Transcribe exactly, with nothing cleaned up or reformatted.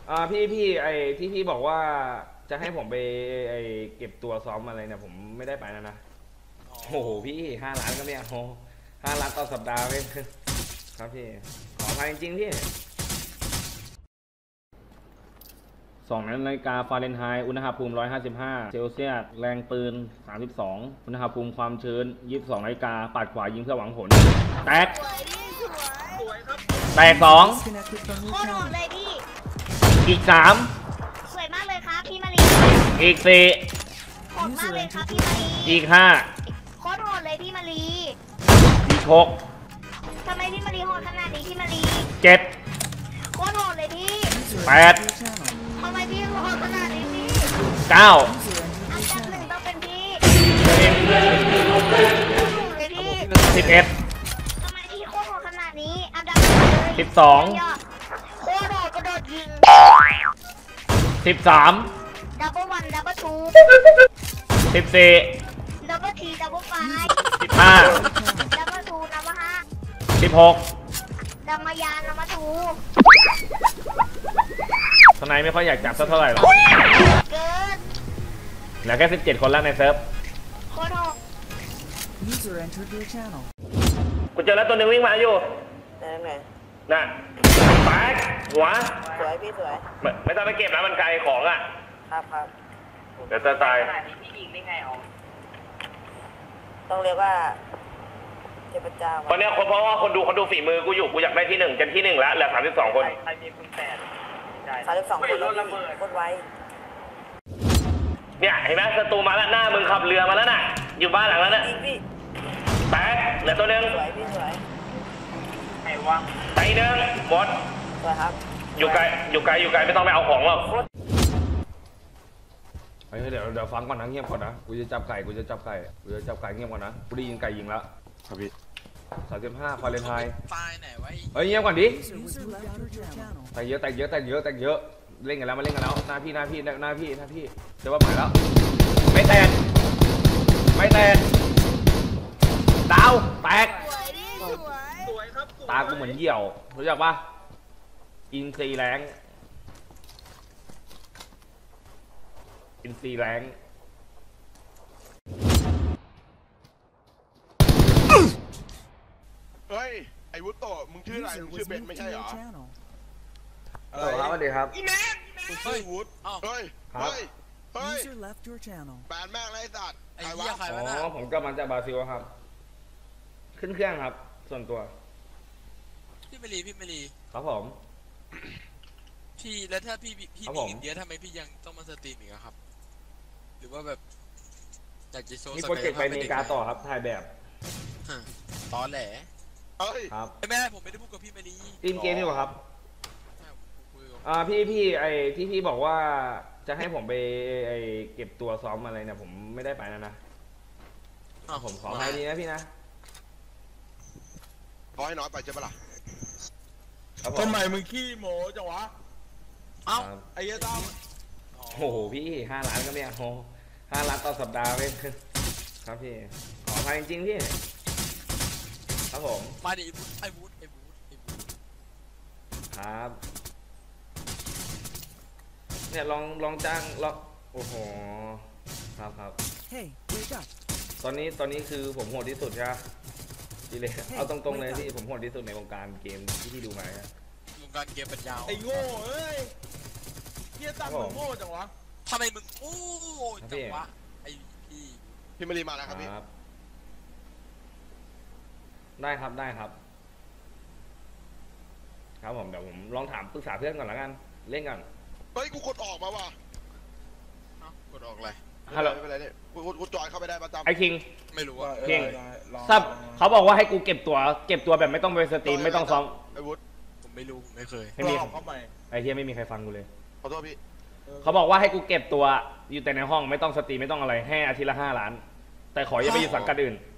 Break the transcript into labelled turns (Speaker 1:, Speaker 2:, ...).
Speaker 1: อ่าพี่พี่ไอที่พี่บอกว่าจะให้ผมไปไอเก็บตัวซ้อมอะไรเนี่ยผมไม่ได้ไปนะนะโอ้โหพี่ห้าล้านก็ไม่เอาห้าล้านต่อสัปดาห์ไม่ครับพี่ขออภัยจริงๆพี่สองนาฬิกาฟาเรนไฮต์อุณหภูมิหนึ่งร้อยห้าสิบห้าเซลเซียสแรงปืนสามสิบสองอุณหภูมิความชื้นยี่สิบสองนาฬิกาปัดขวายิงเพื่อหวังผลแตกแตกสอง
Speaker 2: โคตรโหดเลยพี่
Speaker 1: อีกสาม
Speaker 2: สวยมากเลยครับพี่มารี
Speaker 1: อีกสี่
Speaker 2: โหดมากเลยครับพี่มารี
Speaker 1: อีกห้า
Speaker 2: โคตรโหดเลยพี่มารี
Speaker 1: อีกหก
Speaker 2: ทำไมพี่มารีโหดขนาดนี้พี่มารี
Speaker 1: เจ็ด
Speaker 2: โคตรโหดเลยพี่
Speaker 1: แปด
Speaker 2: ทำไมพี่โหดขนาดนี้พี่
Speaker 1: เก้า
Speaker 2: อันดับหนึ่งต้องเป็นพี่
Speaker 1: สิบเอ็ด
Speaker 2: ทำไมพี่โคตรโหดขนาดนี้อันดับหนึ่งเลย
Speaker 1: สิบสอง
Speaker 2: โคตรโหดกระโดดยิง
Speaker 1: สิบสาม
Speaker 2: ดับเบิลวันดับเบิลทู
Speaker 1: สิบสี่
Speaker 2: ดับเบิลทีดับเบิลไฟ
Speaker 1: สิบห้า
Speaker 2: ดับเบิลทูดับเบิลห้า
Speaker 1: สิบหก
Speaker 2: ดับมายานดับเบิลทู
Speaker 1: ทนายไม่ค่อยอยากจับสักเท่าไหร่หรอก
Speaker 2: เกิน
Speaker 1: เหลือแค่สิบเจ็ดคนแล้วในเซิร์ฟ
Speaker 2: โคตรโหด
Speaker 1: กูเจอแล้วตัวหนึ่งวิ่งมาอยู่
Speaker 3: ไหนไหน
Speaker 1: น่ะแตกหัว
Speaker 3: สวยพี่สวย
Speaker 1: ไม่ไม่ต้องไปเก็บนะมันไกลของอ่ะ
Speaker 3: ครับครับ
Speaker 1: เดี๋ยวจะตาย
Speaker 3: พี่ยิงได้ไงอ๋อต้องเรียกว่าเทพเจ้า
Speaker 1: ตอนนี้คนเพราะว่าคนดูคนดูฝีมือกูอยู่กูอยากได้ที่หนึ่งจนที่หนึ่งแล้วเหลือสามสิบสองคน
Speaker 3: ใครมีคุณแปดสามสิบสองคนแล้วคนไว
Speaker 1: เนี่ยเห็นไหมศัตรูมาแล้วหน้ามึงขับเรือมาแล้วน่ะอยู่บ้านหลังนั้นน่ะแตกเหลือตัวหนึ่ง
Speaker 3: สวยพี่สวย
Speaker 1: ไอ้วะไอ้หนึ่งหมด
Speaker 3: สวยครับ
Speaker 1: อยู่ไกลอยู่ไกลอยู่ไกลไม่ต้องไปเอาของหรอกเฮ้ยเดี๋ยวเดี๋ยวฟังก่อนนะเงียบก่อนนะกูจะจับไก่กูจะจับไก่กูจะจับไก่เงียบก่อนนะกูได้ยินไก่ยิงแล้วครับพี่สามสิบห้าฟาเรนไฮต์
Speaker 4: ตายไหนวะ
Speaker 1: เฮ้ยเงียบก่อนดิแต่เยอะแต่เยอะแต่เยอะแต่เยอะเล่นกันแล้วมาเล่นกันแล้วหน้าพี่หน้าพี่หน้าพี่หน้าพี่จะว่าหมายแล้วไม่แตกไม่แตกดาวแตกตากูเหมือนเหี่ยวรู้จักปะอินซีแรงอินซีแรง
Speaker 5: เฮ้ยไอ้วุฒิโตมึงชื่ออะไรมึงชื่อเบนไม่ใช่เหรอ
Speaker 1: เออครับสวัสดีครับ
Speaker 5: อีแมนมึงชื่อวุฒิเฮ้ยเฮ้ยเฮ้ยแบนแม่งไรสัตว์
Speaker 4: ไอ้เหี้ยใครวะ
Speaker 1: อ๋อผมก็มาจากบราซิลครับขึ้นเครื่องครับส่วนตัว
Speaker 4: พี่เมลีพี่เมลี
Speaker 1: ครับผม
Speaker 4: พี่แล้วถ้าพี่พี่มีเงินเยอะทำไมพี่ยังต้องมาสตรีมอีกครับหรือว่าแบบอยากจะโชว์
Speaker 1: มีโปรเจกต์ไปอเมริกาต่อครับถ่ายแบบ
Speaker 4: ตอนแหล
Speaker 1: ครับ
Speaker 4: แม่ผมไม่ได้พูดกับพี่เมลี
Speaker 1: ทีมเกมนี่หรอครับอ่าพี่พี่ไอที่พี่บอกว่าจะให้ผมไปไอเก็บตัวซ้อมอะไรเนี่ยผมไม่ได้ไปนะนะผมขอให้ดีนะพี่นะ
Speaker 5: น้อยน้อยไปใช่ปะล่ะ
Speaker 6: ทำไมมึงขี้โมจังวะ
Speaker 4: เอ้า
Speaker 6: ไอ้เหี้ยต้อม
Speaker 1: โอ้โหพี่ห้าล้านก็ไม่เอาห้าล้านต่อสัปดาห์ไม่ครับพี่ขออภัยจริงๆพี่ครับผม
Speaker 4: มาดิไอ้บูธไอ้บูธไอ้บูธ
Speaker 1: ครับเนี่ยลองลองจ้างลองโอ้โหครับครับตอนนี้ตอนนี้คือผมโหดที่สุดใช่ไหมพี่เลยเอาตรงๆเลยที่ผมโหดที่สุดในวงการเกมที่พี่ดูมาครับ
Speaker 4: วงการเกมเป็นยาว
Speaker 6: ไอ้โง่เอ้ยเฮียตั้งมึงโง่จังวะ
Speaker 4: ทำไมมึงโง่จังวะไอ้พี่
Speaker 5: พี่มารีมาแล้วครับพี่
Speaker 1: ได้ครับได้ครับครับผมเดี๋ยวผมลองถามปรึกษาเพื่อนก่อนแล้วกันเล่นก่อน
Speaker 5: เฮ้ยกูกดออกมาว่ะ
Speaker 4: กดออกอะไร
Speaker 1: ฮัลโหล
Speaker 5: ไม่เป็นไรเนี่ยกูกูจอยเข้าไปได้ประจำ
Speaker 1: ไอ้คิง
Speaker 4: ไม่รู้ว่า
Speaker 1: คิงซับเขาบอกว่าให้กูเก็บตัวเก็บตัวแบบไม่ต้องไปสตรีมไม่ต้องซ้อม
Speaker 5: ไอ้วุฒิ
Speaker 4: ผมไม่รู้ผมไม่เคย
Speaker 1: ไม่มีไอ้เฮียไม่มีใครฟังกูเลย
Speaker 5: ขอโทษพี่
Speaker 1: เขาบอกว่าให้กูเก็บตัวอยู่แต่ในห้องไม่ต้องสตรีมไม่ต้องอะไรให้อาทิตย์ละห้าล้านแต่ขออย่าไปอยู่สังกัดอื่น